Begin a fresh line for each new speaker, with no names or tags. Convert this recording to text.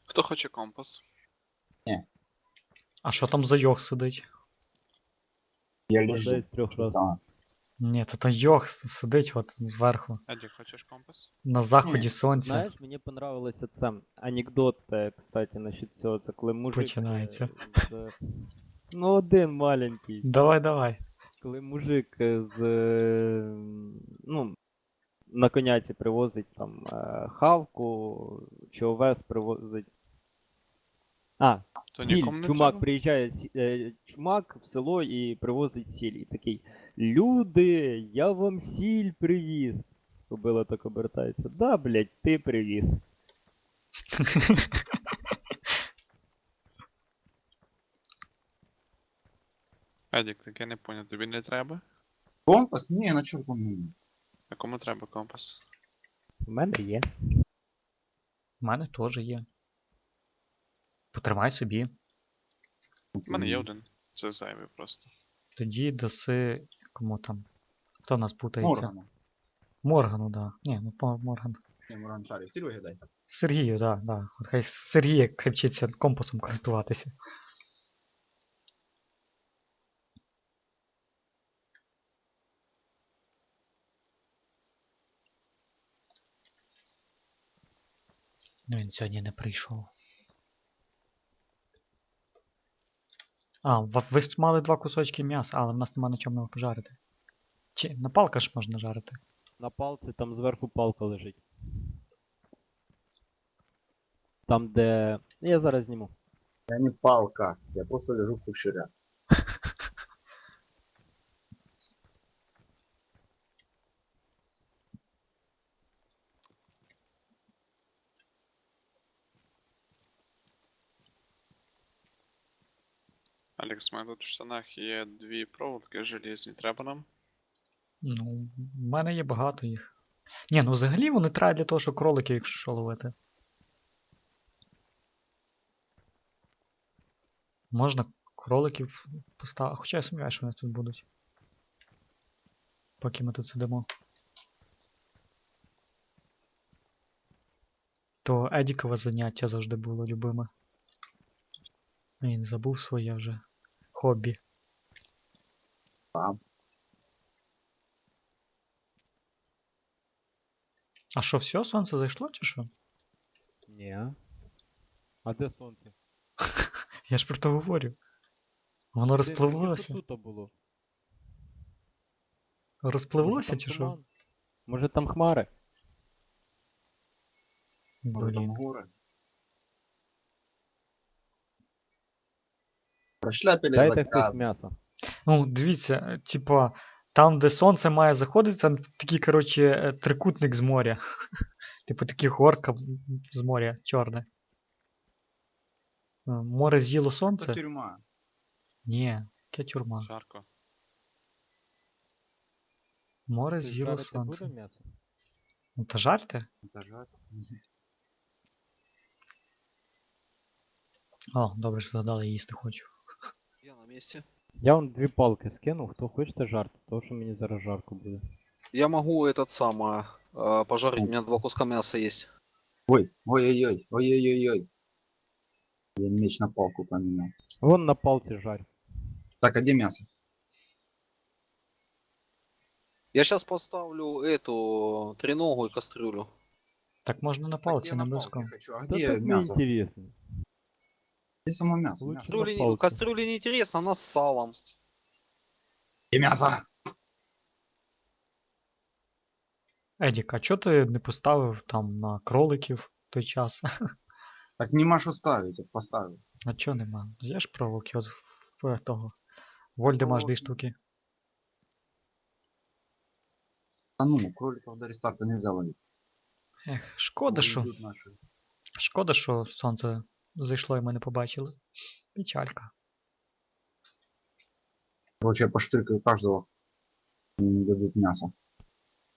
Хто хоче компас?
А що там за йог сидить?
Я
Людей
лежу.
з 3
Что
раз.
там?
Ні, то там йог сидить от зверху.
Едік, хочеш компас?
На заході
Ні,
сонця.
Знаєш, мені понравилося це анекдот, кстати, насчет цього. Це коли мужик
Починається.
з... Ну, один маленький.
Давай.
Коли мужик з... ну, на коняці привозить там хавку, чи овес привозить.
То
Сіль.
нікому не
Чумак
треба?
приїжджає чумак в село і привозить сіль. І такий: люди, я вам сіль привіз. Кобила так обертається. Да, блядь, ти привіз.
Едік, так я не поняв, тобі не треба?
Компас? Не, на чёрт он нужен.
А кому треба компас?
У мене є.
У мене теж є. Потримай собі.
У мене є один. Це зайвий просто.
Тоді даси. Кому там? Хто нас путається?
Моргану.
Моргану, да. Ні, ну Морган.
Не, Морган шарик. Сереге дай.
Сергію, да. От хай Сергій хай вчиться компасом користуватися. Ну він сьогодні не прийшов. А, ви ж мали 2 кусочки м'яса, але в нас нема на чому його пожарити. Чи на палка ж можна жарити?
На палці там зверху палка лежить. Там, де. Я зараз зніму.
Я не палка. Я просто лежу в кушере.
Алекс, у мене тут в штанах є 2 проволоки железні, треба нам?
Ну, в мене є багато їх. Ні, ну взагалі вони треба для того, щоб кроликів, якщо що, ловити. Можна кроликів поставити. Хоча я сумніваюся, що вони тут будуть. Поки ми тут сидимо. То Едікове заняття завжди було любиме. Він забув своє вже хобі.
Там.
А що, все, сонце зайшло чи що?
Ні. А де сонце?
Я ж про то говорю. Воно розпливлося.
Що тут було?
Розпливлося чи що?
Може там хмари?
Может там
Блін.
горы. Прошляпили
Дайте хтось
заказ.
м'ясо.
Ну, дивіться, типа, там, де сонце має заходити, там такий, коротше, трикутник з моря. Типу такий горка з моря, чорне. Море з'їло
Это
сонце?
тюрьма.
Ні, яке тюрма.
Жарко.
Море
Хтось
з'їло
жарити
сонце.
буде м'ясо?
Ну та жарте?
Это жар.
О, добре, що згадали, я їсти хочу.
Я на месте.
Я вам 2 палки скину, хто хочете жарти, тому що мені зараз жарко буде.
Я могу этот самый пожарить, у меня 2 куска мяса есть.
Ой, ой-ой-ой, ой-ой-ой-ой. Я меч на палку поменял.
Вон на палці жарь.
Так, а где мясо?
Я сейчас поставлю эту треногу и кастрюлю.
Так можна на
Так
палці,
я
не
на
близько.
палке хочу. А
Та
где
так не
мясо?
інтересно.
Где само мясо?
Лучше
Мясо.
на
Кастрюли,
палке.
кастрюли неинтересно, она с салом.
Где мясо?
Едік, а чого ти не поставив там на кроликів в той час?
Так нема що ставить, от поставив.
А чого нема? Є ж проволоки от в того. Вольдемаш 2
Проволоки.
штуки.
А ну, кроликов до рестарта нельзя ловить.
Ех, шкода,
Они
що.
идут наши.
Шкода, що сонце зайшло і ми не побачили. Печалька.
Короче, я поштрикаю каждого. Они не дадут мясо.